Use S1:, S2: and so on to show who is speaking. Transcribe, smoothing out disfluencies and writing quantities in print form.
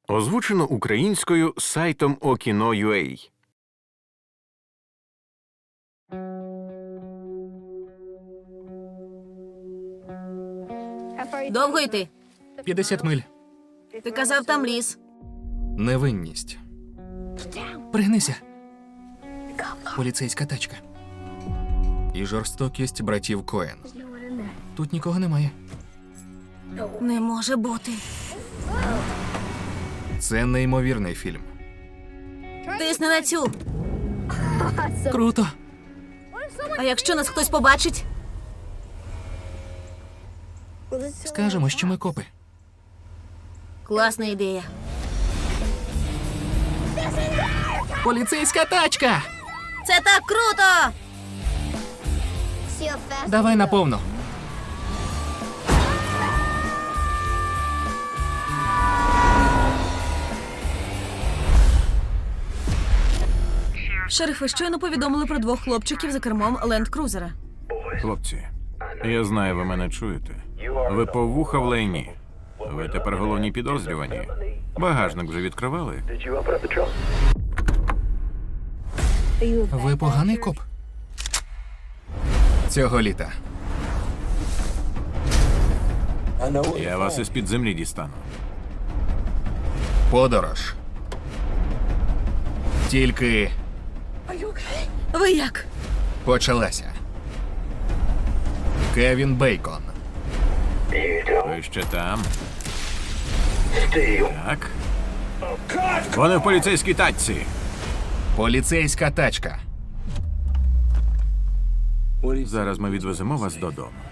S1: Озвучено українською сайтом Okino.ua.
S2: Довго йти?
S3: 50 миль.
S2: Ти казав, там ліс.
S3: Невинність. Пригнися. Поліцейська тачка. І жорстокість братів Коен. Тут нікого немає.
S2: Не може бути.
S3: Це неймовірний фільм.
S2: Тисни на цю.
S3: Круто.
S2: А якщо нас хтось побачить?
S3: Скажемо, що ми копи.
S2: Класна ідея.
S3: Поліцейська тачка!
S2: Це так круто!
S3: Давай наповну.
S2: Шерифи щойно повідомили про 2 хлопчиків за кермом ленд-крузера.
S1: Хлопці, я знаю, ви мене чуєте. Ви по вуха в лайні. Ви тепер головні підозрювані. Багажник вже відкривали?
S3: Ви поганий коп? Цього літа.
S1: Я вас із-під землі дістану.
S3: Подорож. Тільки
S2: Ви як?
S3: почалася. Кевін Бейкон.
S1: Ви ще там? Так. Вони в поліцейській тачці.
S3: Поліцейська тачка.
S1: Зараз ми відвеземо вас додому.